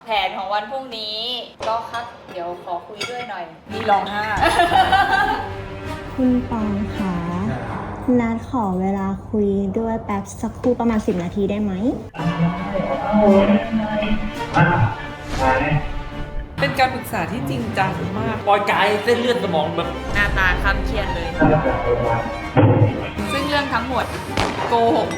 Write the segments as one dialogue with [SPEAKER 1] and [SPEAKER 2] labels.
[SPEAKER 1] นของวันพรุ่งนี้ก็ครับเดี๋ยวขอคุยด้วยหน่อยนี่ลองห้า
[SPEAKER 2] คุณปองคะนัดขอเวลาคุยด้วยแป๊บสักครู่ประมาณ10 นาทีได้ไหม
[SPEAKER 3] เป็นการปรึกษาที่จริงจังมากปล่อยกายเส้นเลือดสมองแบบ
[SPEAKER 1] หน้าตาคำเครียดเลย ซึ่งเรื่องทั้งหมดโกหก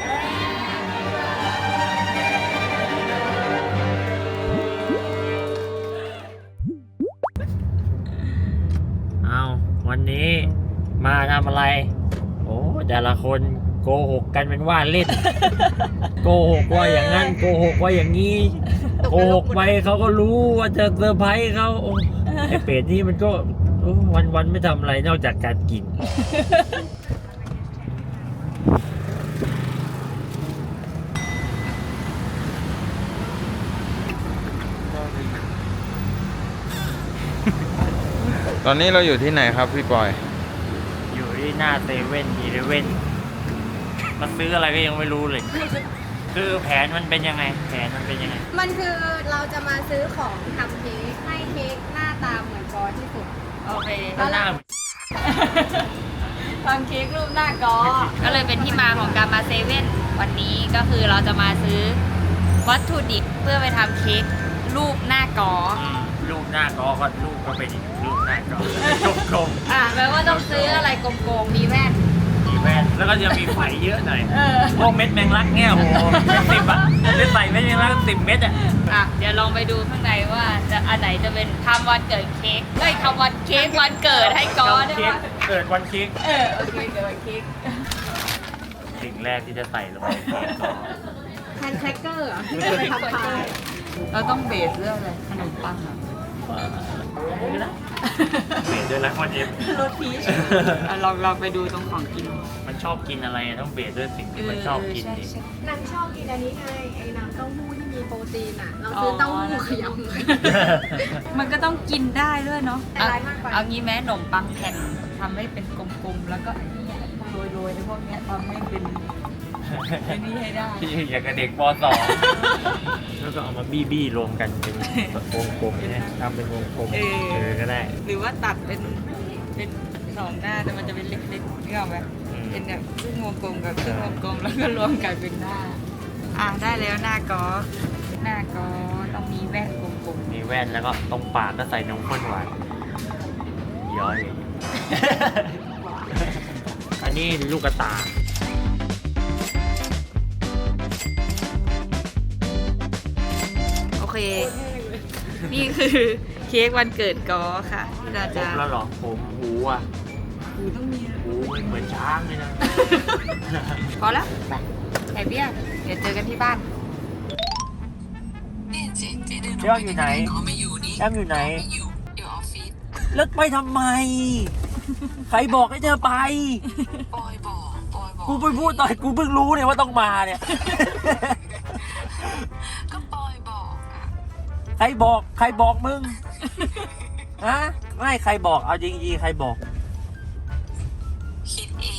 [SPEAKER 4] เอาวันนี้มาทำอะไร โอ้แต่ละคนโกหกกันเป็นว่าเล่น โกหกว่าอย่างนั้นโกหกว่าอย่างนี้โกหกไปเขาก็รู้ว่าจะเซอร์ไพรส์เขาโอ้ไอเป็ดนี่มันก็วันไม่ทำอะไรนอกจากการกิน
[SPEAKER 5] ตอนนี้เราอยู่ที่ไหนครับพี่ปอย
[SPEAKER 4] อยู่ที่หน้าเซเว่นอีเลเว่นมาซื้ออะไรก็ยังไม่รู้เลย คือแผนมันเป็นยังไง
[SPEAKER 6] มันคือเราจะมาซื้อของทำเค้กให้เค้กหน้าตาเหมือนกอที่สุด
[SPEAKER 1] โอเค
[SPEAKER 4] ก็หน้า
[SPEAKER 1] ทำเค้กรูปหน้ากอก็เลยเป็นที่มาของการมาเซเว่นวันนี้ก็คือเราจะมาซื้อวัตถุดิบเพื่อไปทำเค้กรูปหน้ากอ
[SPEAKER 4] รูปหน้ากอก็รูปก็เป็นอีกรูปหน้ากอกลม
[SPEAKER 1] แปลว่าต้องซื้ออะไรกลมๆมีแว่น
[SPEAKER 4] ๆมีแว่นแล้วก็จะมีไฟเยอะหน่อยพวกเม็ดแมงลักเนี่ยโอ้โหเป็น10 อ่ะจะใส่เม็ดแมงลัก10 เม็ดอ่ะ
[SPEAKER 1] เดี๋ยวลองไปดูข้างในว่าจะอันไหนจะเป็นทำวันเกิดเค้กทำวันเค้กวันเกิดให้กอได้
[SPEAKER 4] เค้
[SPEAKER 1] ปะ
[SPEAKER 4] กเกิดวันเค้ก
[SPEAKER 1] โอเคเกิดวันเค้ก
[SPEAKER 4] สิ่งแรกที่จะใส่ลงในเค้กก็
[SPEAKER 6] แฮนด์แครกเกอร์ที่จะไปทำพาย
[SPEAKER 1] เราต้องเบสเรื่องอะไรขนมปังเหรอ
[SPEAKER 4] ไม่ได้เบสด้วยนะวันเอฟ
[SPEAKER 1] รสพีชลองไปดูตรงของกิน
[SPEAKER 4] มันชอบกินอะไรต้องเบสด้วยสิ่งที่มันชอบกินดิ
[SPEAKER 6] นางชอบกินอันนี้ไงไอ้น้ำเต้าหู้ที่มีโปรตีนอ่ะ เราซื้อเต้าหู้ขยำ
[SPEAKER 1] มันก็ต้องกินได้ด้วยเนาะ
[SPEAKER 6] แต่ร้ายมากไป
[SPEAKER 1] เอางี้แม้ขนมปังแผ่นทำให้เป็นกลมๆแล้วก็ไอ้นี่โรยๆในพวกเนี้ยทำให้เป็นไอ้นี่ให้ได้
[SPEAKER 4] ที่อย่างกับเด็กป .2 แล้วก็เอามาบี้รวมกันเป็นวงกลมเนี่ยทำเป็นวงกลมก็ได้
[SPEAKER 1] หรือว่าตัดเป็นสองหน้าแต่มันจะเป็นเล็กๆนี่ออกไหมเป็นแบบครึ่งวงกลมกับครึ่งวงกลมแล้วก็รวมกันเป็นหน้าได้แล้วหน้ากอต้องมีแว่นกลม
[SPEAKER 4] มีแว่นแล้วก็ตรงปากก็ใส่นมข้นหวานย้อย อันนี้ลูกกระตา
[SPEAKER 1] ๆโอเค นี่คือเค้กวันเกิดกอค่ะที่เรา
[SPEAKER 4] คร
[SPEAKER 1] จะ
[SPEAKER 4] บแล้วเหรอผมหูอ่ะ
[SPEAKER 1] หูต้องมี
[SPEAKER 4] หูเหมือนช้างเลยนะ
[SPEAKER 1] พอแล้วไปแอบเบี้ยเดี๋ยวเจอกันที่บ้าน
[SPEAKER 4] เรื่องอยู่ไหนแอมอยู่ไหนแล้วไปทำไม ใครบอกให้เธอไปกูไปพูดตอนกูเพิ่งรู้เนี่ยว่าต้องมาเนี่ย
[SPEAKER 7] ก็ปอยบอกอ่ะ
[SPEAKER 4] ใครบอกมึง ฮะ ไม่ใครบอก เอาจริงๆใครบอก
[SPEAKER 7] คิดเอง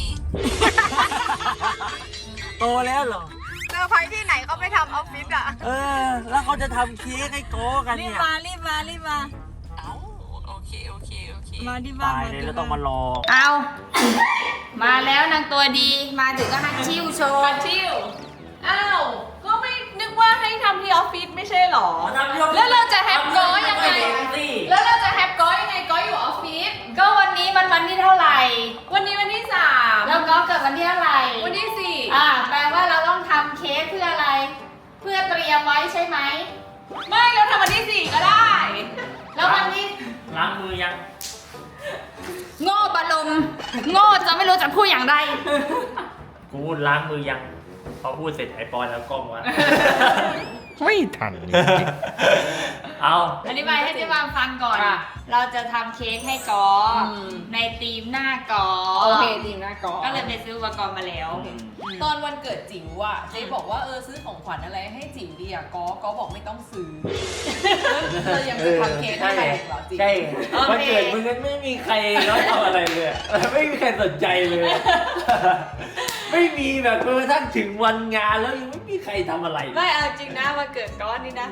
[SPEAKER 4] โตแล้วเหรอ
[SPEAKER 6] เซอร์ไพรส์ที่ไหนเขาไม่ทำออฟฟิศอ่ะ
[SPEAKER 4] แล้วเขาจะทำเค้กให้โก้กัน
[SPEAKER 1] รีบ
[SPEAKER 4] เนี่ย
[SPEAKER 1] มา
[SPEAKER 7] เอ้าโอเค
[SPEAKER 1] มาที่
[SPEAKER 4] ตา
[SPEAKER 1] บ้าน
[SPEAKER 4] ยเลยแล้วต้องมารอ
[SPEAKER 1] เอามาแล้วนางตัวดีมาถึงก็ฮัตชิวโชว์
[SPEAKER 3] ชิวอ้าว ก็ไม่นึกว่าให้ทำที่ออฟฟิศไม่ใช่หรอ
[SPEAKER 1] แล้วเราจะแฮปก้อยยังไง
[SPEAKER 3] แล้วเราจะแฮปก้อยยังไงก้อยอยู่ออฟฟิศ
[SPEAKER 1] ก็วันนี้มันวันที่เท่าไหร่
[SPEAKER 3] วันนี้วันที่
[SPEAKER 1] แล้วก็เกิดวันที่เท่าไหร่
[SPEAKER 3] 3 วันที่
[SPEAKER 1] แปลว่าเราต้องทำเค้กเพื่ออะไร เพื่อเตรียมไว้ใช่ไหม
[SPEAKER 3] 4 ไม่เราทำวันที่ 4 ก็ได้
[SPEAKER 1] แล้ววันนี้
[SPEAKER 4] ล้างมือยัง
[SPEAKER 1] โง่บะลมโง่จะไม่รู้จะพูดอย่างไร
[SPEAKER 4] กูล้างมือยัง พอพูดเสร็จไอปอนแล้วกล้องวะ
[SPEAKER 5] ไม่ทัน
[SPEAKER 4] เอา
[SPEAKER 1] อธิบายให้เจ๊วางฟังก่อน
[SPEAKER 3] อ่ะ
[SPEAKER 1] เราจะทำเค้กให้กออในธีมหน้ากอ
[SPEAKER 3] โอเคจริงนะกอ
[SPEAKER 1] ก็เลยไปซื้ออุปกรณ์มาแล้ว
[SPEAKER 3] ตอนวันเกิดจิ๋วอ่ะเจ๊บอกว่าซื้อของขวัญอะไรให้จิ๋วดีอ่ะก็บอกไม่ต้องซื้อเรายังจะทำเค้กให้ใครอีกเหรอจิ๋ว
[SPEAKER 4] ใช่
[SPEAKER 1] โอเค
[SPEAKER 4] วันเกิดมึงนั้นไม่มีใครเขาทำอะไรเลยอะไม่มีใครสนใจเลย ไม่มีแบบกระทั่งถึงวันงานแล้วยังไม่มีใครทำอะไร
[SPEAKER 1] ไม่เอาจริงนะวันเกิดก้อนนี่นะ ก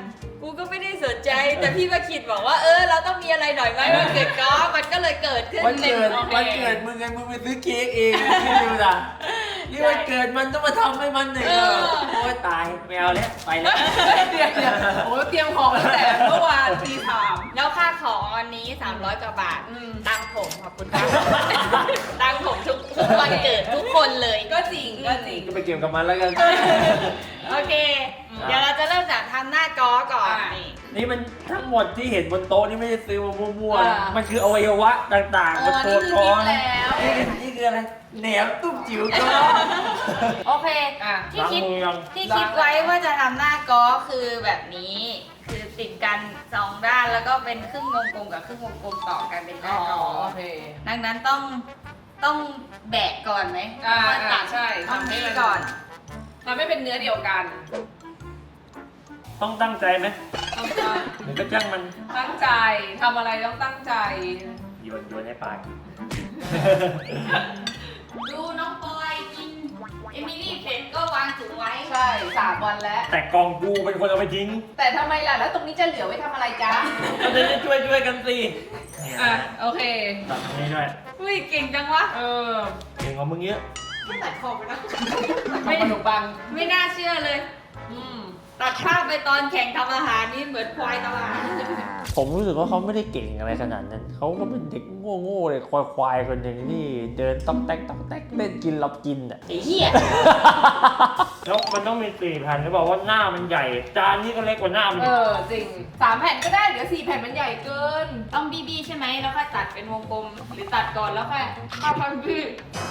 [SPEAKER 1] กูก็ไม่ได้สนใจ แต่พี่ว่าคิดบอกว่าเราต้องมีอะไรหน่อยไหมวันเกิดก๊อฟมันก็เลยเกิดขึ้น
[SPEAKER 4] วันเกิด
[SPEAKER 1] โอค
[SPEAKER 4] วันเกิดมึงไงมึงไปซื้อเค้กเองพี่ดูนะนี่วันเกิดมันต้องมาทำให้มันหนึ่งโอ้ยตายไม่เอาแล้วไปแล้ว
[SPEAKER 3] เดี๋ยวโอ้เตรียมของตั้งแต่เมื่อวานตีสาม
[SPEAKER 1] แล้วค่าของวันนี้300กว่าบาทตังค์ผมขอบคุณครับตังค์ผมทุกวันเกิดทุกคนเลย
[SPEAKER 3] ก็จริงก็จริง
[SPEAKER 4] ก็ไปเกี่ยวกับมันแล้วกัน
[SPEAKER 1] โอเค เดี๋ยวเราจะเริ่มจากทำหน้าก๊อก่อน
[SPEAKER 3] อ่ะ
[SPEAKER 1] นี่
[SPEAKER 4] นี่มันทั้งหมดที่เห็นบนโต๊ะนี่ไม่ได้ซื้อมามั่ว
[SPEAKER 3] อ่า
[SPEAKER 4] ๆมันคืออวัยวะต่างๆบนตัว
[SPEAKER 3] นี่
[SPEAKER 4] ก้
[SPEAKER 3] คือ
[SPEAKER 4] อน
[SPEAKER 3] นิ้วแล้ว
[SPEAKER 4] นี่คืออะไรแหนมตุ้มจิ๋วก้อน
[SPEAKER 1] โอเค
[SPEAKER 3] อ่ะ
[SPEAKER 1] ที่คิด
[SPEAKER 4] ล้างมือยัง
[SPEAKER 1] ที่คิดไว้ว่าจะทำหน้าก๊อคือแบบนี้ คือติดกัน2ด้านแล้วก็เป็นครึ่งวงกลมกับครึ่งวงกลมต่อกันเป็นห
[SPEAKER 3] อ๋
[SPEAKER 1] น้า
[SPEAKER 3] อ
[SPEAKER 1] ก๊อ
[SPEAKER 3] โอเค
[SPEAKER 1] ดังนั้นต้องแบะก่อนไหม
[SPEAKER 3] อ่า
[SPEAKER 1] แล้วก็ตัด
[SPEAKER 3] ใช่
[SPEAKER 1] ตรง
[SPEAKER 3] ทำให้
[SPEAKER 1] นี้
[SPEAKER 3] มัน
[SPEAKER 1] ก่อน
[SPEAKER 3] ทำให้เป็นเนื้อเดียวกัน
[SPEAKER 4] ต้องตั้งใจไหม
[SPEAKER 3] ต้องตั้ง
[SPEAKER 4] หรือก็จ้างมัน
[SPEAKER 3] ตั้งใจทำอะไรต้องตั้งใจ
[SPEAKER 4] โยนให้ปาก
[SPEAKER 1] ดูน้องปอยกินเอมิลี่เผ็ดก็วางถุงไว้
[SPEAKER 3] ใช่3 วันแล้ว
[SPEAKER 4] แต่กองกูเป็นคนเอาไปทิ้ง
[SPEAKER 3] แต่ทำไมล่ะแล้วตรงนี้จะเหลือไว้ทำอะไรจ๊ะ
[SPEAKER 4] ก็จะได้ช่วยกันสิ
[SPEAKER 3] อ่ะโอเค
[SPEAKER 4] ตัดตรงนี้ด้วย
[SPEAKER 1] อุ้ยเก่งจังวะ
[SPEAKER 3] เออ
[SPEAKER 4] เก่งกว่ามึงเยอะ
[SPEAKER 3] ตัดคอไปนะไม่ขนมปัง
[SPEAKER 1] ไม่น่าเชื่อเลย
[SPEAKER 3] อืม
[SPEAKER 1] ตัดภาพไปตอนแข่งทำอาหารนี่เหมือนควายทำอาหาร
[SPEAKER 4] ผมรู้สึกว่าเขาไม่ได้เก่งอะไรขนาดนั้น เขาก็เป็นเด็กโง่ๆเลยควายๆคนหนึ่งที่เดินต๊อกแต๊กต๊อกแต๊กเล่นกินรับกินอ่ะ
[SPEAKER 1] ไอ้เหี้ย
[SPEAKER 4] แล้วมันต้องมี4แผ่นหรือเปล่าว่าหน้ามันใหญ่ จานนี้ก็เล็กกว่าหน้ามัน
[SPEAKER 3] เออจริง3 แผ่นก็ได้เดี๋ยว4 แผ่นมันใหญ่เกิน
[SPEAKER 1] ต้องบี้ๆใช่ไหมแล้วค่อยตัดเป็นวงกลม หรือตัดก่อนแล้วค่อยเข้าพันบี้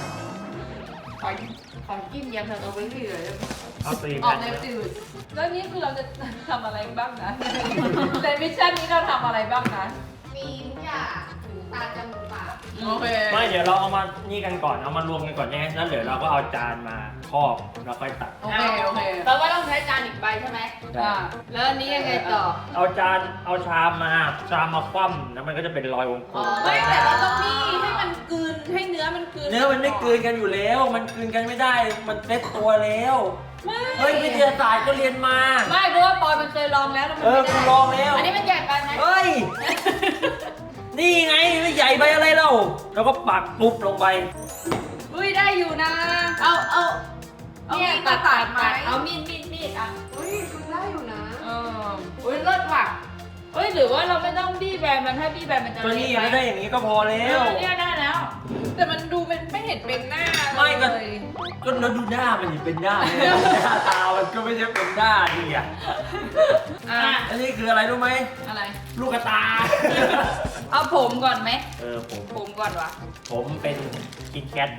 [SPEAKER 1] ของจิ้มยำสตรอเบอรี่เลย
[SPEAKER 4] เอา4
[SPEAKER 3] ออก
[SPEAKER 4] แผ่น
[SPEAKER 3] แนวจืดแล้วนี่คือเราจะทำอะไรบ้างนะ ในมิชชั่นนี้เราทำอะไรบ้างนะ
[SPEAKER 6] มีทุกอย่างถึงตาจมูกปาก
[SPEAKER 3] โอเค
[SPEAKER 4] ไม่เดี๋ยวเราเอามานี่กันก่อนเอามารวมกันก่อนเนี่ยแล้วเดี๋ยวเราก็เอาจานมาครอบแล้วค่อยตัด
[SPEAKER 3] โอเคโอเค
[SPEAKER 1] แปลว่าต้องใช้จานอีกใบใช่ไหม
[SPEAKER 3] อ่า
[SPEAKER 1] แล้วอันนี้ยังไงต่อ
[SPEAKER 4] เอาชามมาคว่ำแล้วมันก็จะเป็นรอยวงกลม
[SPEAKER 3] ไม่แต่เราต้องบี้ให้มันกลืนให้เนื้อมันกลืน
[SPEAKER 4] เนื้อมันไม่กลืนกันอยู่แล้ว มันกลืนกันไม่ได้ มันเซ็ตตัวแล้ว
[SPEAKER 3] ไม่
[SPEAKER 4] เฮ้ยวิทยาศาสตร์ก็เรียนมา
[SPEAKER 1] ไม่เพราะว่าปอยมันเคยลองแล้วแล้วมัน
[SPEAKER 4] เออ
[SPEAKER 1] ไม่
[SPEAKER 4] กู
[SPEAKER 1] ได้
[SPEAKER 4] ลองแล้ว
[SPEAKER 1] อันนี้มันใหญ่ไปไหม
[SPEAKER 4] เฮ้ย นี่ไงไม่ใหญ่ไปอะไรเราแล้วก็ปักปุ๊บลงไป
[SPEAKER 1] อุ้ยได้อยู่นะ
[SPEAKER 3] เอา
[SPEAKER 1] เนี่ย
[SPEAKER 3] มีดมาตัดไหม
[SPEAKER 1] เอามีดอ่ะ
[SPEAKER 6] อุ้ยคุณได้อยู่นะ
[SPEAKER 1] เอออุ้ยเลิศว่ะเฮ้ยหรือว่าเราไม่ต้องบี้แบนมันถ้าบี้แบนมันจะ
[SPEAKER 4] ก็นี่ไม่ได้อย่างนี้ก็พอแล้
[SPEAKER 1] เอ
[SPEAKER 4] ว
[SPEAKER 1] อเนี่ยได้แล้ว
[SPEAKER 3] แต่มันดูเป็นไม่เห็นเป็นหน้า
[SPEAKER 4] ไม่ก็
[SPEAKER 3] เลย
[SPEAKER 4] ก็แล้วดูหน้ามันดิเป็นหน้าเนี่ยหน้าตามันก็ไม่ใช่เป็นหน้าดิอ่ะ
[SPEAKER 3] อ่ะ
[SPEAKER 4] อันนี้คืออะไรรู้ไหม
[SPEAKER 3] อะไร
[SPEAKER 4] ลูกกระตา
[SPEAKER 1] เอาผมก่อนไหม
[SPEAKER 4] ผม
[SPEAKER 1] ก่อนวะ
[SPEAKER 4] ผมเป็นกินแคท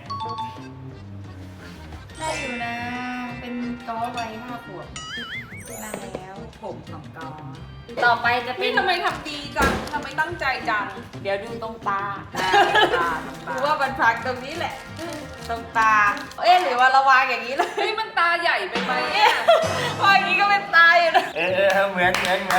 [SPEAKER 1] ได้อยู่นะ เป็นก้อไว้5 ขวบนานแล้วผมของก้อต่อไปจะเป็
[SPEAKER 3] พี่
[SPEAKER 1] น
[SPEAKER 3] ทำไมทำดีจังทำไมตั้งใจจัง
[SPEAKER 1] เดี๋ยวดูตรงตา
[SPEAKER 3] ตา
[SPEAKER 1] ดูว่ามันพักตรงนี้แหละ ตรงตา เอ๊ะหรือว่าเราวางอย่างนี้เลย
[SPEAKER 3] เฮ้ยมันตาใหญ่ไปไหมเนี่ย
[SPEAKER 1] วางอย่างนี้ก็เป็นตาอยู่นะ
[SPEAKER 4] เหมือน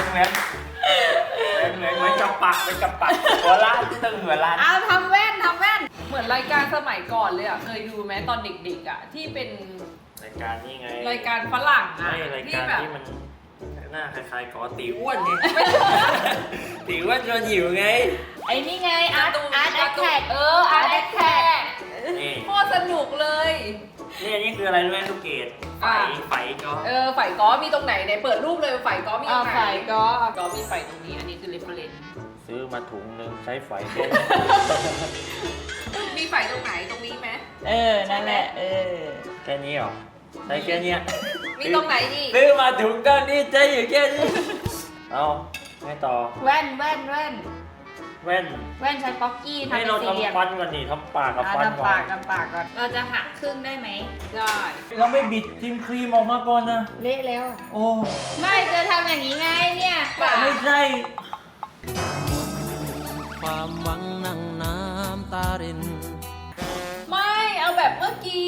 [SPEAKER 4] กับปักเป็นกับปักหัวล้านที่ตึงหัวล้าน
[SPEAKER 1] เอาทำแว่น
[SPEAKER 3] เหมือนรายการสมัยก่อนเลยอ่ะ เคยดูไหมตอนเด็กๆอ่ะ ที่เป็น
[SPEAKER 4] รายการนี่ไง
[SPEAKER 3] รายการฝรั่งอ่ะ
[SPEAKER 4] ไม่ราย
[SPEAKER 3] ที่
[SPEAKER 4] การ
[SPEAKER 3] แบบ
[SPEAKER 4] ที่มันหน้าคล้ายๆกอตีอ้วนไงตีอ้วนจนหิวไง
[SPEAKER 1] ไอ้นี่ไงอาร์ตแอคแท็กอาร์ตแอคแท็ก
[SPEAKER 4] นี่
[SPEAKER 3] โคตรสนุกเลย
[SPEAKER 4] นี่อันนี้คืออะไรรู้ไหมลูกเกดไฟก็
[SPEAKER 3] ไฝก้อมีตรงไหนไหนเปิดรูปเลยไฝก้อมีตรงไหน
[SPEAKER 1] ไฝก้อ
[SPEAKER 3] ก้อมีไฝตรงนี้ อันนี้คือเรฟเฟรนซ์
[SPEAKER 4] ซื้อมาถุงนึงใช้ไฟแค่
[SPEAKER 3] มีไฝตรงไหนตรงนี้ไหม
[SPEAKER 1] นั่นแหละ
[SPEAKER 4] แค่นี้หรอใช้แค่เนี้ย
[SPEAKER 3] มีตรงไหนอีก
[SPEAKER 4] ซื้อมาถุงก้อนนี้ใช้อยู่แค่นี้เอาให้ต่อ
[SPEAKER 1] แว่น
[SPEAKER 4] แว่น
[SPEAKER 1] ใช้ป๊อกกี้ทำ
[SPEAKER 4] ให้
[SPEAKER 1] เป็น
[SPEAKER 4] เรา
[SPEAKER 1] สี่เหลี่ยม
[SPEAKER 4] ทำฟันก่อนนี่ทำปากกับฟัน
[SPEAKER 1] ทำ
[SPEAKER 4] ก่อ
[SPEAKER 1] ปาน กก่อน เราจะหักครึ่งได้ไหม
[SPEAKER 3] ได้
[SPEAKER 4] เราไม่บิดทิมครีมออกมาก่อนนะ
[SPEAKER 1] เละแล้ว
[SPEAKER 4] โอ้
[SPEAKER 1] ไม่จะทำอย่างนี้ไงเนี่ยปาก
[SPEAKER 4] ไม่ใช่
[SPEAKER 8] ความหวังนั่งน้ำตาริน
[SPEAKER 3] ไม่เอาแบบเมื่อกี้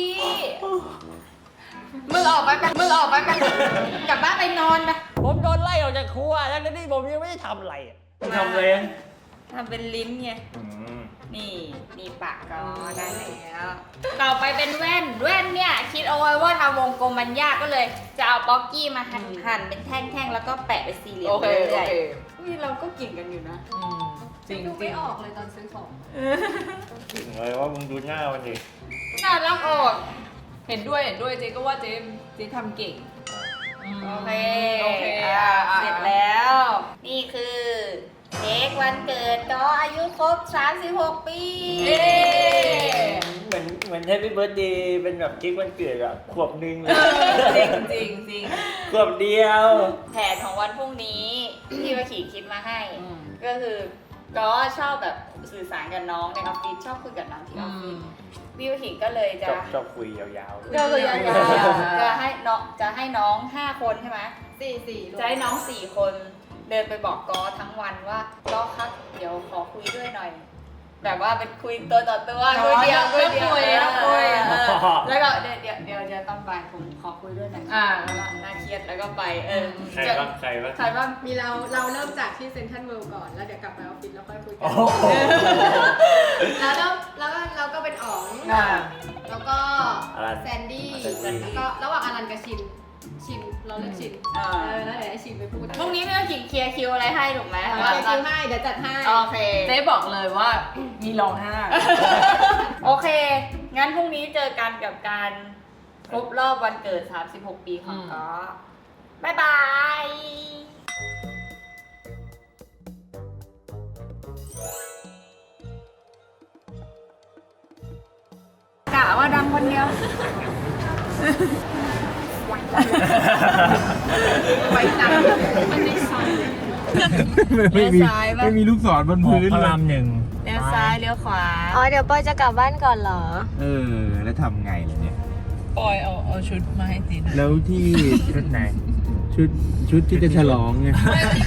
[SPEAKER 1] มึงออกไปกลับบ้านไปนอนไป
[SPEAKER 4] ผมโดนไล่ออกจากครัวทั้งที่ผมยังไม่ได้ทำอะไรอะทำอะไร
[SPEAKER 1] ทำเป็นลิ้นไง
[SPEAKER 4] อืม
[SPEAKER 1] นี่ปากก็ได้แล้ว ต่อไปเป็นแว่นเนี่ยคิดเอาไว้ว่าทำวงกลมมันยากก็เลย จะเอาป๊อกกี้มาหั่นเป็นแท่งๆแล้วก็แปะเป็นสี่เหลี่ยม
[SPEAKER 3] โอเค
[SPEAKER 1] รื่ยๆ
[SPEAKER 3] โอเค
[SPEAKER 1] นี่เราก็เก่งกันอยู่นะ
[SPEAKER 3] จริง
[SPEAKER 6] ดู
[SPEAKER 3] จริ
[SPEAKER 6] ไม่
[SPEAKER 3] ง
[SPEAKER 6] ออกเลยตอนซื้อของ
[SPEAKER 4] ถึงเลยว่ามึงดูหน้ามันดิ
[SPEAKER 1] น่ารักออก
[SPEAKER 3] เห็นด้วยเจ๊ก็ว่าเจ๊ทำเก่ง
[SPEAKER 1] โอเค
[SPEAKER 3] โอเค
[SPEAKER 1] เสร็จแล้ว นี่คือเค้กวันเกิดก็อายุครบ 36 ปี
[SPEAKER 3] เย้
[SPEAKER 4] เหมือนแฮปปี้เบิร์ดเดย์เป็นแบบเค้กวันเกิดอะขวบหนึง
[SPEAKER 3] จริงจริง
[SPEAKER 4] ขวบเดียว
[SPEAKER 1] แผนของวันพรุ่งนี้ที่วาขีคิดมาให้
[SPEAKER 3] อืม
[SPEAKER 1] ก็คือก็ชอบแบบสื่อสารกับน้องในออฟฟิศชอบคุยกับน้องที่ออฟฟิศพี่วาขีก็เลยจะ
[SPEAKER 4] ชอบคุยยาว
[SPEAKER 1] ก็คือยาวๆจะให้น้อง 5 คนใช่ไหม
[SPEAKER 6] 4
[SPEAKER 1] จะให้น้อง 4 คนเดินไปบอกกอทั้งวันว่าก็ครับเดี๋ยวขอคุยด้วยหน่อย แบบว่าเป็นคุยตัวต่อตัวคุยเดียวคุยแล้วก็เดี๋ยวตอนบ่ายผมขอคุยด้วยหน่อยแล้วก็น่าเครียดแล้วก็ไป
[SPEAKER 4] ๆใครบ้าง
[SPEAKER 1] ใครบ้าง
[SPEAKER 6] มีเราเริ่มจากที่เซ็นทรัลเวิลด์ก่อน แล้วเดี๋ยวกลับไปออฟฟิศแล้วค่อยคุยกั
[SPEAKER 4] โอ้
[SPEAKER 6] น
[SPEAKER 4] โห
[SPEAKER 6] แล้วเราก็เป็นอ๋อง แล้วก็
[SPEAKER 4] อลัน
[SPEAKER 6] แซนดี้
[SPEAKER 4] แซนดี้
[SPEAKER 6] แล้วก็ระหว่างอลันกับชินเราเลือกชินแล้วเดี๋ยวให้ชินไปพูด
[SPEAKER 1] พรุ่งนี้ไม่ต้องเคลียร์คิวอะไรให้ถูกไหม
[SPEAKER 6] โอเคคิวให้ เดี๋ยวจัดให้
[SPEAKER 1] โอเค
[SPEAKER 3] เจ๊บอกเลยว่ามีร้องไห้
[SPEAKER 1] โอเค งั้นพรุ่งนี้เจอกันกับการครบรอบวันเกิด 36 ปีของก๊อบ๊ายบายกะว่าดังคนเดียว
[SPEAKER 6] ไว้จังมันไม่ใช่
[SPEAKER 5] ไม่มีลูกศรบนพื้น
[SPEAKER 4] พระ
[SPEAKER 5] เล
[SPEAKER 4] ราม
[SPEAKER 5] ย
[SPEAKER 4] หนึ่ง
[SPEAKER 1] เลี้ยวซ้ายเลี้ยวขวา
[SPEAKER 2] อ๋อ เดี๋ยวปอยจะกลับบ้านก่อนเหรอ
[SPEAKER 5] แล้วทำไงล่ะเนี่ย
[SPEAKER 3] ปอยเอาชุดมาให้ติน
[SPEAKER 5] แล้วที่
[SPEAKER 4] ชุดไหน
[SPEAKER 5] ชุดที่จะฉลองไง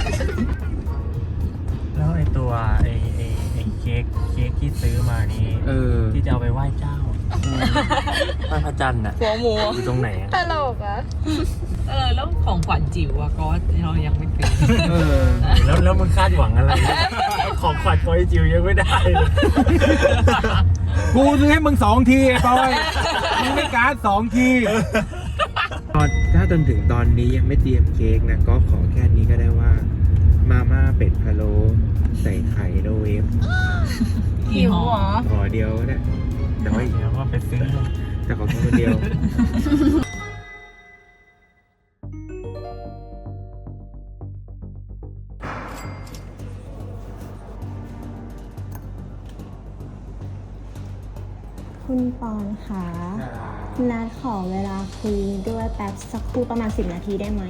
[SPEAKER 4] แล้วไอตัวไอเค้กที่ซื้อมานี้ ที่จะเอาไปไหว้เจ้าไหว้พระจันทร์น่ะ
[SPEAKER 1] หัวหมู
[SPEAKER 4] อยู่ตรงไหนอะ
[SPEAKER 2] ตลกอ่ะ
[SPEAKER 3] แล้วของขวัญจิ๋วอะก็เรายังไม่เป็น
[SPEAKER 4] แล้วมึงคาดหวังอะไร ของขวัญคอยจิวยังไม่ได้เลย
[SPEAKER 5] กูซื้อให้มึง2 ทีไอ้ปอยมึงไม่การ์ด2 ทีถ้าจนถึงตอนนี้ยังไม่เตรียมเค้กนะ ก็ขอแค่นี้ก็ได้ว่า มาม่าเป็ดพะโล้ใส่ไข่โรเวฟ
[SPEAKER 1] หิวเหรอ
[SPEAKER 5] ขอเดียวเนี่ยแต่ว่า
[SPEAKER 4] เดี๋ยวว่าไปซื้อ
[SPEAKER 5] แต่ขอแค่คนเดียว
[SPEAKER 2] คุณปอนคะนัดขอเวลาคุยด้วยแป๊บสักครู่ประมาณ10 นาทีได้ไหม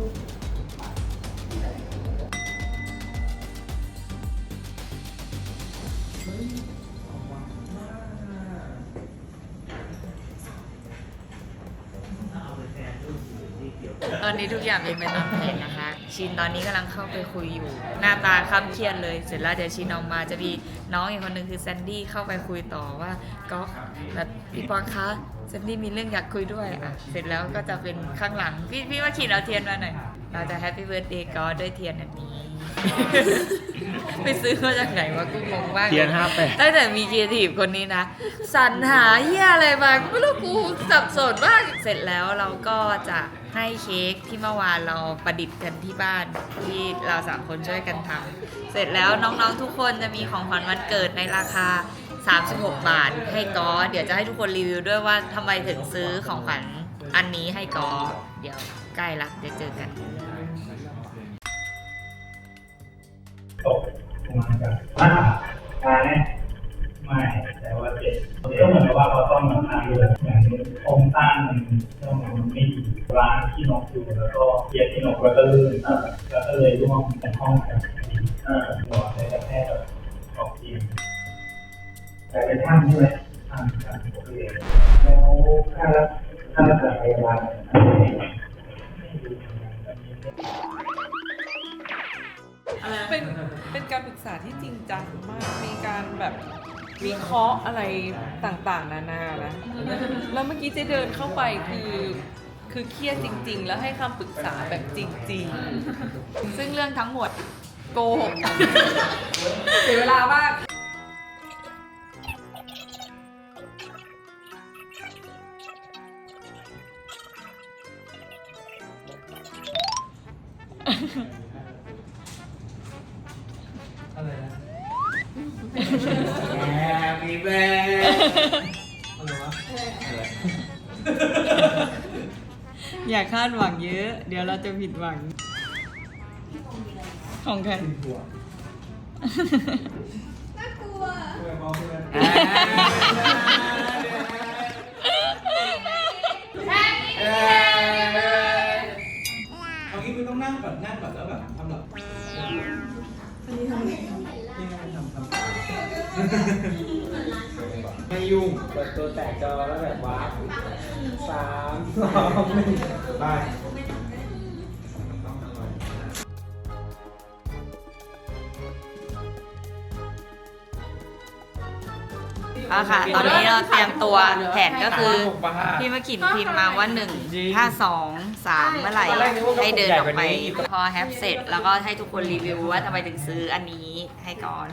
[SPEAKER 1] ตอนนี้ทุกอย่างเป็นไปตามแผนนะคะ ชินตอนนี้กำลังเข้าไปคุยอยู่ หน้าตาคล้ำเครียดเลย เสร็จแล้วเดี๋ยวชินออกมาจะมีน้องอีกคนนึงคือแซนดี้เข้าไปคุยต่อว่าก็แบบพี่ปอนคะแซนดี้มีเรื่องอยากคุยด้วยอ่ะเสร็จแล้วก็จะเป็นข้างหลังพี่ว่าขีดเอาเทียนมาหน่อยเราจะแฮปปี้เบิร์ดเดย์ก็ด้วยเทียนอันนี้ ไปซื้อมาจากไหนวะกูงงมาก
[SPEAKER 4] เทียน58
[SPEAKER 1] ตั้งแต่มีครีเอทีฟคนนี้นะสรรหาเหี้ยอะไรมาไม่รู้กูสับสนมากเสร็จแล้วเราก็จะให้เค้กที่เมื่อวานเราประดิษฐ์กันที่บ้านที่เรา3 คนช่วยกันทำเสร็จแล้วน้องๆทุกคนจะมีของขวัญวันเกิดในราคา 36 บาทให้กอเดี๋ยวจะให้ทุกคนรีวิวด้วยว่าทำไมถึงซื้อของขวัญอันนี้ให้กอเดี๋ยวใกล้ละเดี๋ยวเจอกัน
[SPEAKER 9] ไม่แต่ว่าเจ็บก็เหมือนกับว่าเราต้องมาทำเรื่องอย่างโครงสร้างมันไม่ดีร้านที่นกอยู่แล้วก็เกียร์ที่นกแล้วก็ลื่นแล้วก็เลยร่วงเป็นห้องแบบหัวเลยกระแทกแบบออกเตียงแต่เป็นท่านใช่ไหมท่านผมเองแล้วค่ารักษาพยาบาล
[SPEAKER 3] เป็นการปรึกษาที่จริงจังมาก มีการแบบวิเคราะห์อะไรต่างๆ นานานะ แล้วเมื่อกี้เจ๊เดินเข้าไปคือเครียดจริง ๆ แล้วให้คำปรึกษาแบบจริง
[SPEAKER 1] ซึ่งเรื่องทั้งหมดโกหกเสียเวลามาก
[SPEAKER 5] Happy birthday
[SPEAKER 1] อย่าคาดหวังเยอะ เดี๋ยวเราจะผิดหวัง ของใคร
[SPEAKER 5] เอางี้คุณต้องนั่งก่อนแล้วแบบทำแบบไม่ยุ่งเปิดตัวแตกจอแล้วแบบว้าว3 2 1ไป
[SPEAKER 1] เอาค่ะ ตอนนี้เราเตรียมตัวแผนก็คือ พี่มาขินพิมพ์มาว่า1ถ้า2 3เมื่อไหร่ให้เดินออกไป พอแฮปเสร็จแล้วก็ให้ทุกคนรีวิวว่าทำไมถึงซื้ออันนี้ให้ก่อน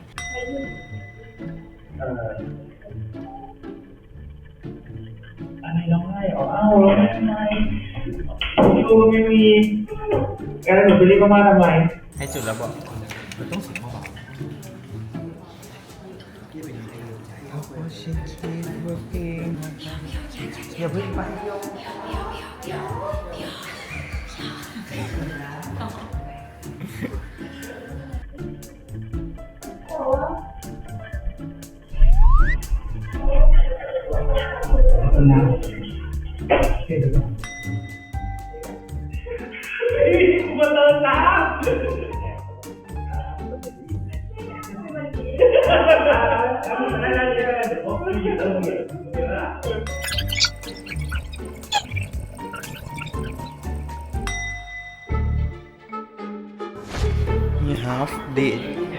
[SPEAKER 9] อันนี้ร้องไห้เหรออ้าวร้องไห้ทำไมดูไม่มีแกแล้วหนูไปเรียกเขามาทำไม
[SPEAKER 5] ให้จุดแล้วบอกมันต้องเสียงเบาอย่าเพิ่งไป
[SPEAKER 9] นะเห็นไหมกูมาเติมน้ำ
[SPEAKER 5] นี่half day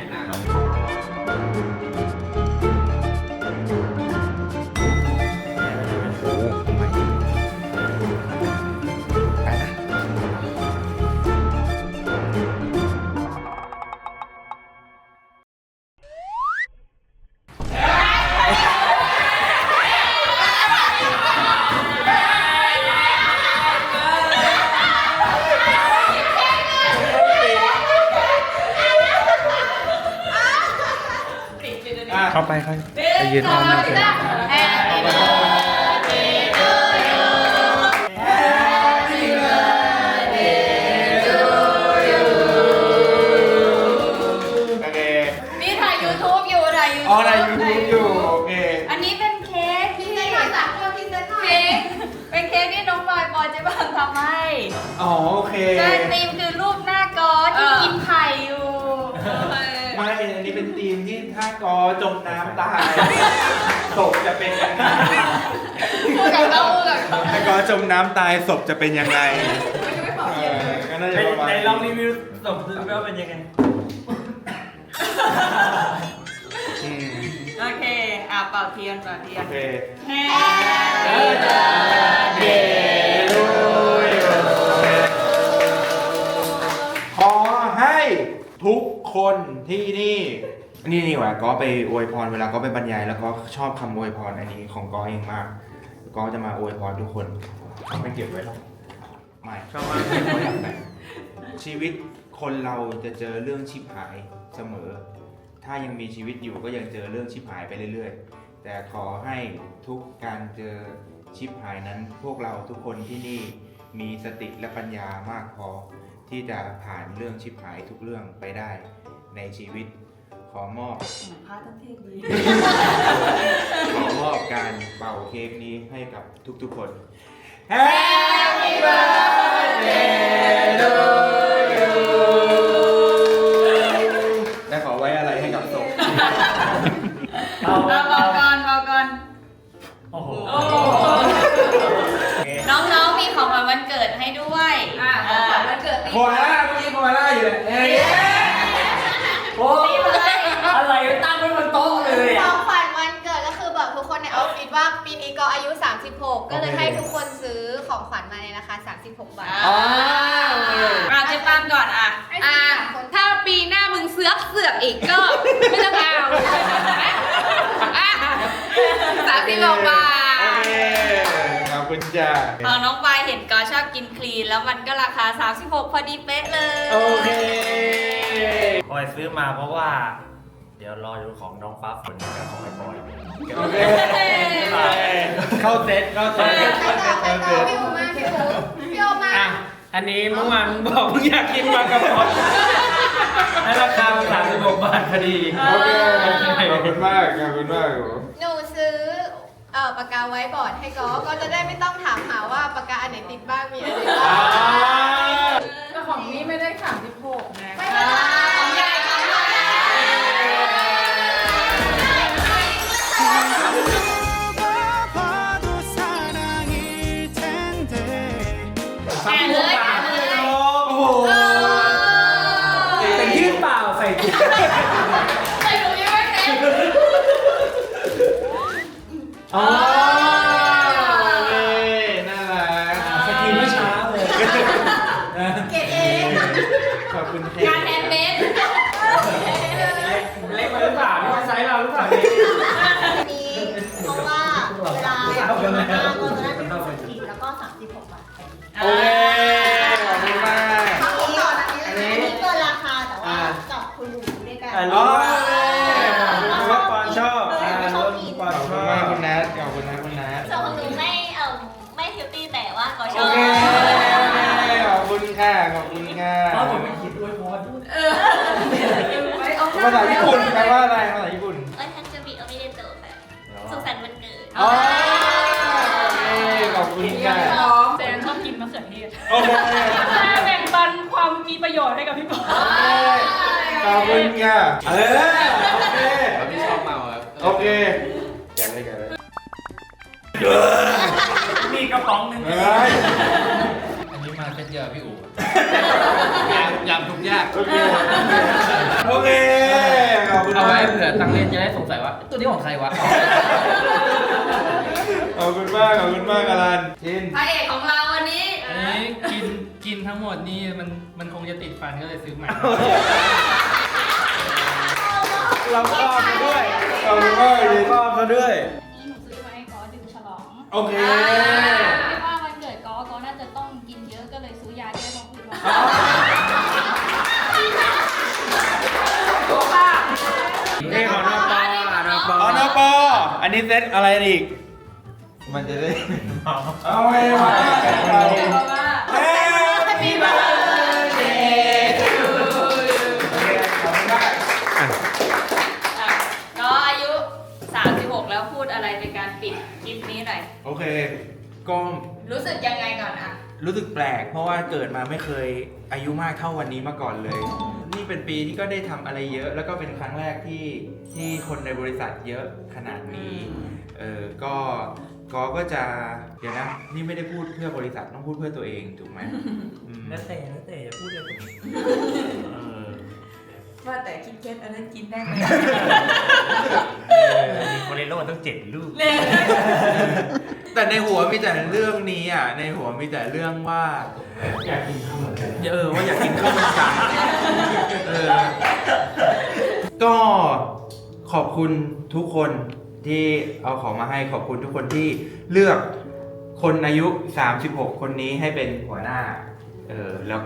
[SPEAKER 5] เข้าไปครับไปยืนอ้อมหน้าเพื่อนโอเค
[SPEAKER 1] นี่ถ่าย YouTube อยู่ถ่าย YouTube
[SPEAKER 5] อ๋อถ่าย YouTube อยู่โอเค
[SPEAKER 1] อันนี้เป็นเค้กที่เป็นเค้กที่น้องบอยปอยเจ๊บางทำให้
[SPEAKER 5] อ๋อโอเค
[SPEAKER 1] ใช่ธีมคือรูปหน้ากอที่กินไข่อยู่
[SPEAKER 5] ไม่ อันนี้เป็นธีมที่ถ้ากอจมน้ำตายศพจะเป็นยังไง
[SPEAKER 1] พูดกับเราพูดกับเรา
[SPEAKER 5] ถ้ากอจมน้ำตายศพจะเป็นยังไงก็น่าจะประมาณ
[SPEAKER 4] ในลองรีวิวสมดูว่าเป็นยังไง
[SPEAKER 5] อืม
[SPEAKER 1] โอเคเป่าเทียน
[SPEAKER 5] โอเค
[SPEAKER 1] Happy
[SPEAKER 5] birthday to you ขอให้ทุกคนที่นี่ดีกว่าก็ไปอวยพรเวลาก็ไปบรรยายแล้วก็ชอบคำอวยพรอันนี้ของก็เองมากก็จะมาอวยพรทุกคนเขาไม่เก็บไว้หรอกไม่ชอบมากเขาอยากแต่ชีวิตคนเราจะเจอเรื่องชิบหายเสมอ ถ้ายังมีชีวิตอยู่ก็ยังเจอเรื่องชิบหายไปเรื่อยๆแต่ขอให้ทุกการเจอชิบหายนั้นพวกเราทุกคนที่นี่มีสติและปัญญามากพอที่จะผ่านเรื่องชิบหายทุกเรื่องไปได้ในชีวิตขอมอบ
[SPEAKER 1] พระตั้งเทพเลย
[SPEAKER 5] ขอมอบการเป่าเค้กนี้ให้กับทุกๆคน Happy birthday to you และขอไว้อะไรให้กับศพ
[SPEAKER 1] เบาก่อน
[SPEAKER 4] โอ้โห
[SPEAKER 1] น้องๆมีของขวัญวันเกิดให้ด้วย
[SPEAKER 3] ของขวัญวันเกิดปี
[SPEAKER 5] โคอาล่าเมื่อกี้โคอาล่าอยู่เลยเอ้ย
[SPEAKER 4] โอ้ยอะไรตั้งไว้บนโต๊ะเลย
[SPEAKER 6] ข
[SPEAKER 4] อ่ะ
[SPEAKER 6] องขวัญวันเกิดก็คือแบบทุกคนในออฟฟิศว่าปีนี้ก็อายุ 36 ก็เลยให้ทุกคนซื้อของขวัญมาในราคา 36 บาท
[SPEAKER 5] อ๋อ
[SPEAKER 1] เจ๊ปามก่อนอ่ะ
[SPEAKER 6] ให้ซื้อ3คน
[SPEAKER 3] ถ้าปีหอีกก็ไม่ต้องเอา36 บาท
[SPEAKER 5] โอเคขอบคุณจ้า
[SPEAKER 1] ของน้องปายเห็นก็ชอบกินคลีนแล้วมันก็ราคา36พอดีเป๊ะเลย
[SPEAKER 5] โอเค
[SPEAKER 4] ปอยซื้อมาเพราะว่า เดี๋ยวรอดูของน้องฟ้าฝนกับของไอ้บอย
[SPEAKER 5] โอเค เข้าเซ็ตเข้าเซ็ตเข้าเซ็ตเข้าเซ็ต
[SPEAKER 6] พี่โอมาพี่โอมา
[SPEAKER 5] อ่ะ อันนี้เมื่อวานมึงบอกมึงอยากกินมากระป๋องให้ราคามัน36 บาทพอดี โอเค ขอบคุณมาก ขอบคุณมาก
[SPEAKER 6] หนูซื้อปากกาไว้บอร์ดให้ก็จะได้ไม่ต้องถามหาว่าปากกาอันไหนติดบ้างมีอะไรบ้าง
[SPEAKER 3] แต่ของนี้ไม่ได้36นะ
[SPEAKER 6] ไม่เป็นไรของใหญ่ของใหญ่
[SPEAKER 3] แกะเลย
[SPEAKER 5] โอ้โหแต่ยื่นเปล่าใส่ถุง
[SPEAKER 3] ใส่ถุงยังไม่เต็ม
[SPEAKER 5] อ๋อโอเคน่ารักสกินเมื่อเช้าเลย
[SPEAKER 6] เกรดเอง
[SPEAKER 5] ขอบคุณแท
[SPEAKER 3] งานแฮนด์เมด
[SPEAKER 5] เล็กไปหรือเปล่านี่มันไซส์เราหรือเปล่าเนี่ย
[SPEAKER 2] นี้เพราะว่าเวลาเราก็จะได้เป็น40แล้วก็36 บาท
[SPEAKER 5] โอเค ขอบคุณมาก
[SPEAKER 2] อันนี้เกินราคาแต่ว่ากับคุณหนูด้วยกัน
[SPEAKER 5] อ๋อรู้ว่าปอนชอบรู้ว่าปอนชอบคุณนัทขอบคุณนะคุณนัท
[SPEAKER 2] ส่วนของหนูไม่เฮลตี้แต่ว่าก็ช
[SPEAKER 5] โอ
[SPEAKER 2] อบ
[SPEAKER 5] เค ขอบคุณค่ะ ขอบคุณค่ะผมไม่คิดด้วยพอดภาษาญี่ปุ่นแปลว่าอะไรภาษาญี่ปุ่น
[SPEAKER 2] เอ้ยทันจะมีโอมิเดโตะแบบสุขสันต์วันเกิด
[SPEAKER 5] อ๋อโอเคขอบคุณค่ะ
[SPEAKER 3] แซนชอบกินมะเขือเทศ
[SPEAKER 5] โอเค
[SPEAKER 3] แบ่งปันความมีประโยชน์ให้กับพี่ปอ
[SPEAKER 5] ขอบคุณค่ะโอเค
[SPEAKER 10] พี่ชอบเมาครับ
[SPEAKER 5] โอเคแกะเลยแกะเลย
[SPEAKER 4] มีกระป๋องหนึ่ง
[SPEAKER 5] เฮ้ย
[SPEAKER 10] อันนี้มาเซ็ตเยอะพี่อู๋ยำทุกยาก
[SPEAKER 5] โอเค โอเค ขอบคุณ
[SPEAKER 10] เอาไว้
[SPEAKER 5] มาก
[SPEAKER 10] เผื่อตังเล่นจะได้สงสัยว่าตัวนี้ของใครวะ
[SPEAKER 5] ขอบคุณมาก ขอบคุณมากอลันชิน
[SPEAKER 1] พระเอกของเราวันนี้
[SPEAKER 10] อันนี้กินทั้งหมดนี่มันคงจะติดฟันก็เลยซื้อใหม่
[SPEAKER 5] เราครอบมาด้วย ขอบคุณมากเลยครอบมาด้วย
[SPEAKER 6] นี่หนูซื้อมาให้ก็ดื่มฉลอง
[SPEAKER 5] โอเค
[SPEAKER 6] คิดว่าวันเกิดก็น่าจะต้องกินเยอะก็เลยซื้อยาแก้ท้องอืดมา
[SPEAKER 5] นี่ของนปอ๋อนปอันนี้เซตอะไรอีก มันจะได้เอาไว้มาเฮ้ยมีบ้า
[SPEAKER 1] ก็อายุ 36 แล้วพูดอะไรในการปิดคลิปนี้หน่อย
[SPEAKER 5] โอเค ก็
[SPEAKER 1] รู้สึกยังไงก่อนอะ
[SPEAKER 5] รู้สึกแปลก เพราะว่าเกิดมาไม่เคยอายุมากเท่าวันนี้มาก่อนเลย นี่เป็นปีที่ก็ได้ทำอะไรเยอะ แล้วก็เป็นครั้งแรกที่คนในบริษัทเยอะขนาดนี้ ก็จะเดี๋ยวนะ นี่ไม่ได้พูดเพื่อบริษัทต้องพูดเพื่อตัวเองถูกไหมอืม
[SPEAKER 4] แล้วแต่อย่าพูดเลย
[SPEAKER 1] ว่าแต่คิดเคสอันนั้นกินได้ไหม
[SPEAKER 4] มีโคเรโลต้อง7 ลูก
[SPEAKER 5] แต่ในหัวมีแต่เรื่องนี้อ่ะ ในหัวมีแต่เรื่องว่า อยากกินข้าวมันไก่ว่าอยากกินข้าวมันไก่ก็ขอบคุณทุกคนที่เอาของมาให้ขอบคุณทุกคนที่เลือกคนอายุ 36 คนนี้ให้เป็นหัวหน้าแล้ว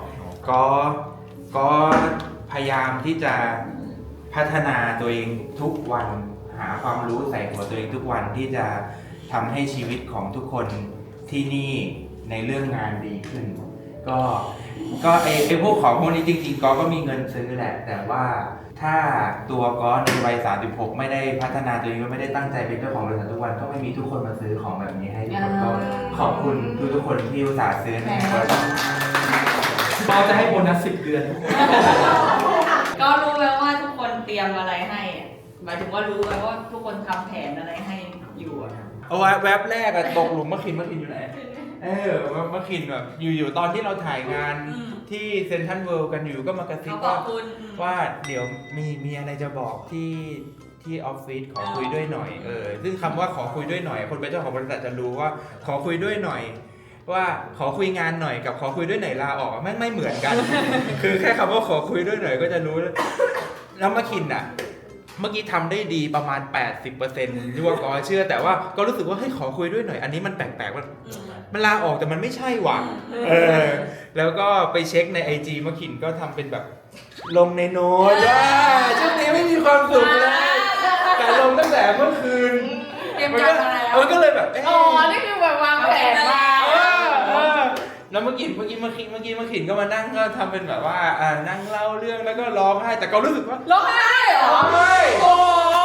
[SPEAKER 5] ก็พยายามที่จะพัฒนาตัวเองทุกวันหาความรู้ใส่หัวตัวเองทุกวันที่จะทำให้ชีวิตของทุกคนที่นี่ในเรื่องงานดีขึ้น ก็ไอพวกของพวกนี้จริงๆก็มีเงินซื้อแหละ แต่ว่าถ้าตัวก็ในวัย 36 ไม่ได้พัฒนาตัวเองไม่ได้ตั้งใจเป็นเจ้าของบริษัททุกวันก็ไม่มีทุกคนมาซื้อของแบบนี้ให้ทุกคนก็ขอบคุณทุกคนที่อุตส่าห์ซื้อให้เราจะให้โบนัส10 เดือน
[SPEAKER 1] ก็รู้แล้วว่าทุกคนเตรียมอะไรให้อะหมายถึงว่ารู้แล้วว่าทุกคนทำแผนอะไรให้อยู่อะ
[SPEAKER 5] เอาไว้แว็บแรกอะตกหลุมมะขินอยู่ไหนมะขินแบบอยู่ตอนที่เราถ่ายงานที่เซนทรัลเวิลด์กันอยู่ก็มากระซิบว่าเดี๋ยวมีอะไรจะบอกที่ออฟฟิศขอคุยด้วยหน่อยซึ่งคำว่าขอคุยด้วยหน่อยคนเป็นเจ้าของบริษัทจะรู้ว่าขอคุยด้วยหน่อยว่าขอคุยงานหน่อยกับขอคุยด้วยหน่อยลาออกแม่งไม่เหมือนกัน คือแค่คำว่าขอคุยด้วยหน่อยก็จะรู้แล้วมาคินอ่ะเมื่อกี้ทำได้ดีประมาณ 80%ที่ว่าก็เชื่อแต่ว่าก็รู้สึกว่าให้ขอคุยด้วยหน่อยอันนี้มันแปลกๆมันลาออกแต่มันไม่ใช่ว่ะแล้วก็ไปเช็คใน IG มาคินก็ทำเป็นแบบลงในโน้ตว่าช่วงนี้ไม่มีความสุขเลยแต่ลงตั้งแต่เมื่อคืน
[SPEAKER 1] เตรียมการมาแล้ว
[SPEAKER 5] มันก็เลยแบบ
[SPEAKER 3] อ๋อ นี่คือแบบวางแผนมา
[SPEAKER 5] แล้วเมื่อกี้มาขินก็มานั่งก็ทำเป็นแบบว่านั่งเล่าเรื่องแล้วก็ร้องไห้แต่ก็รู้สึกว่า
[SPEAKER 3] ร้องไห้เหรอ
[SPEAKER 5] ร้องไห้
[SPEAKER 3] โอ้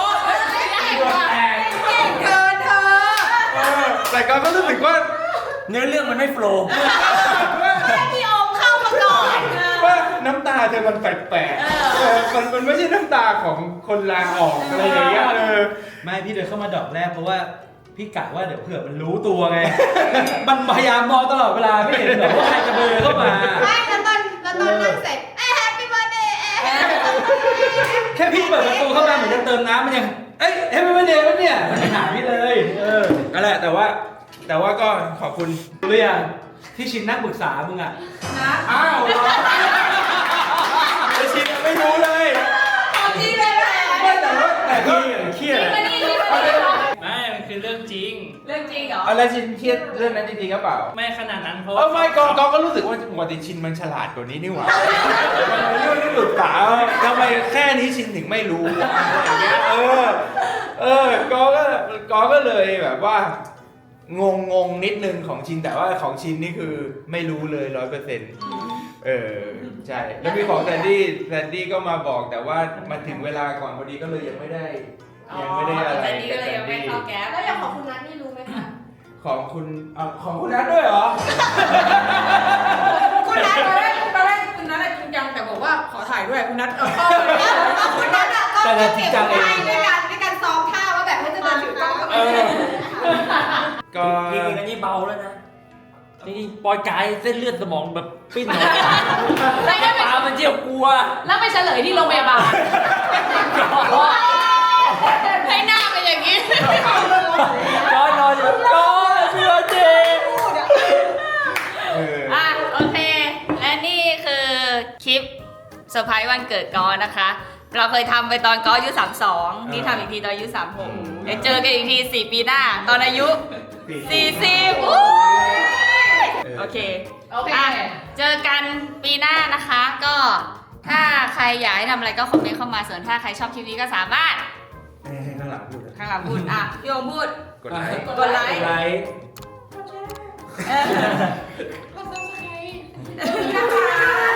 [SPEAKER 3] ย
[SPEAKER 1] เกินเธอ
[SPEAKER 5] แต่ก็รู้สึกว่า
[SPEAKER 4] เนื้อเรื่องมันไม่โฟล์
[SPEAKER 3] พี่โอมเข้ามาก่อน
[SPEAKER 5] ว่าน้ำตาเธอมันแปลกๆมันไม่ใช่น้ำตาของคนลาออกอะไรอย่างเงี้ย
[SPEAKER 10] ไม่พี่เดินเข้ามาดอกแรกเพราะว่าพี่กะว่าเดี๋ยวเผื่อมันรู้ตัวไง มันพยายามมองตลอดเวลาไม่เห็นหรอกว่าใครจะเบลอเข้ามา
[SPEAKER 6] ไม่แล้วตอนนั่งเสร็จแฮปปี้เบิร์ดเดย์
[SPEAKER 10] แค่พี่เปิดประตูเข้ามาเหมือนจะเติมน้ำมันยังเอ้ยเฮ้ยไม่เดย์มันเนี่ยมันหาพี่เลย
[SPEAKER 5] นั่นแหละแต่ว่าก็ขอบคุณ
[SPEAKER 10] รู้หรือยังที่ชินนั่งปรึกษามึงอ่ะ
[SPEAKER 5] อ้าวไอชินไม่รู้เลย
[SPEAKER 3] จริงเลย
[SPEAKER 5] แต่ก็
[SPEAKER 10] เครียด
[SPEAKER 3] ไม่นี่
[SPEAKER 10] ไม่มันคือเรื่องจริง
[SPEAKER 3] เรื่องจริงเหรอ
[SPEAKER 5] อะไรชินเครียดเรื่องนั้นจริงๆหรือเปล่า
[SPEAKER 10] ไม่ขนาดนั้นเพราะว่า
[SPEAKER 5] ไม่ก็รู้สึกว่าปกติชินมันฉลาดกว่านี้นี่หว่ามันเรื่องที่ปรึกษาทำไมแค่นี้ชินถึงไม่รู้อะไรอย่างเงี้ยก็เลยแบบว่างงนิดนึงของชินแต่ว่าของชินนี่คือไม่รู้เลย 100%ใช่แล้วมีของแซนดี้ก็มาบอกแต่ว่ามันถึงเวลาก่อนพอดีก็เลยยังไม่ได้อะไร
[SPEAKER 3] แต่นี่ก็เลยยังไม่เข้าแก๊ป
[SPEAKER 6] แล้วอย่างของคุณนัทนี่รู้ไหมคะ
[SPEAKER 5] ของคุณนัทด้วยเหรอ
[SPEAKER 1] คุณนัทตอนแรกคุณนัทจริงจังแต่บอกว่าขอถ่ายด้วยคุณนัท
[SPEAKER 6] คุณนัทอะก็เก็บไว้ในการซ้อมท่าว่าแบบให้จะเดินถือกล้องกับ
[SPEAKER 5] ก็
[SPEAKER 4] จริงๆอันนี้เบาแล้วนะจริงๆปอยกายเส้นเลือดสมองแบบปิ้นออกตามันเจียวกลัว
[SPEAKER 3] แล้วไปเฉลยที่โรงพยาบาลให้หน้าเป็นอย่างนี้
[SPEAKER 4] จอยนอนอยู่จอยเชื่อเจ
[SPEAKER 3] อ่ะโอเค และนี่คือคลิปเซอร์ไพรส์วันเกิดกอนะคะ เราเคยทำไปตอนกออายุ32นี่ทำอีกทีตอนอายุ36เดี๋ยวเจอกันอีกที4 ปีหน้าตอนอายุ40โอเคอ่ะเจอกันปีหน้านะคะก็ถ้าใครอยากให้ทำอะไรก็คอมเมนต์เข้ามาส่วนถ้าใครชอบคลิปนี้ก็สามารถ
[SPEAKER 5] ให้ข้างหลังพูด
[SPEAKER 3] ข้างหลังพูดอ่ะพี่โอมพูด
[SPEAKER 5] กดไลค์
[SPEAKER 3] กดไลค์
[SPEAKER 6] กดซับสไครต์